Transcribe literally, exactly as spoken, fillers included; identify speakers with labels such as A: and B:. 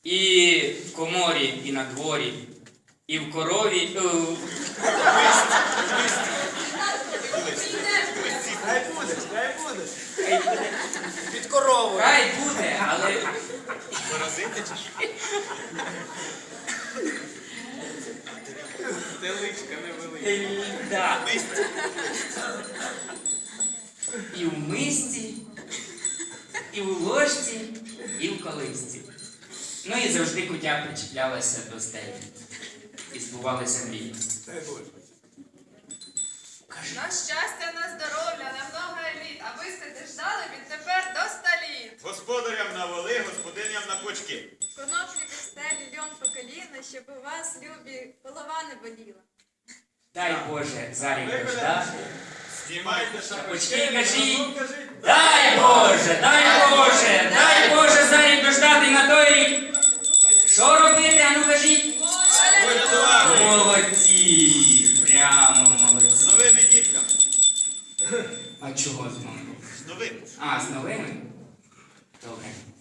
A: І в коморі, і на дворі, і в корові. е,
B: Хай буде, хай буде.
A: Хай буде,
B: Під коровою.
A: хай буде, але
C: Паразити чи що? Теличка невелика.
A: е, да.
C: Мисці.
A: І в мисці, і в ложці, і в колисці. Ну і завжди кутя причіплялася до стелі. І збувалися мрії.
B: Хай буде.
D: На щастя, на здоров'я, на много літ, а ви сте ждали відтепер до ста літ.
C: Господарям на воли, господиням на кочки.
D: Коноплі під стелі, льон по коліна, щоб у вас, любі, голова не боліла.
A: Дай Боже, зарі дождати.
C: Знімайте
A: Шапочки
C: шапочки.
A: кажіть.
B: Ну, кажіть.
A: Дай Боже, дай Боже, дай Боже зарі дождати на той рік. Що робити, а ну кажіть?
C: Порятувати.
A: Молодці, прямо
C: З
A: молодці.
C: новими дітками.
A: А чого знову?
C: З новими.
A: А, з новими? Добре.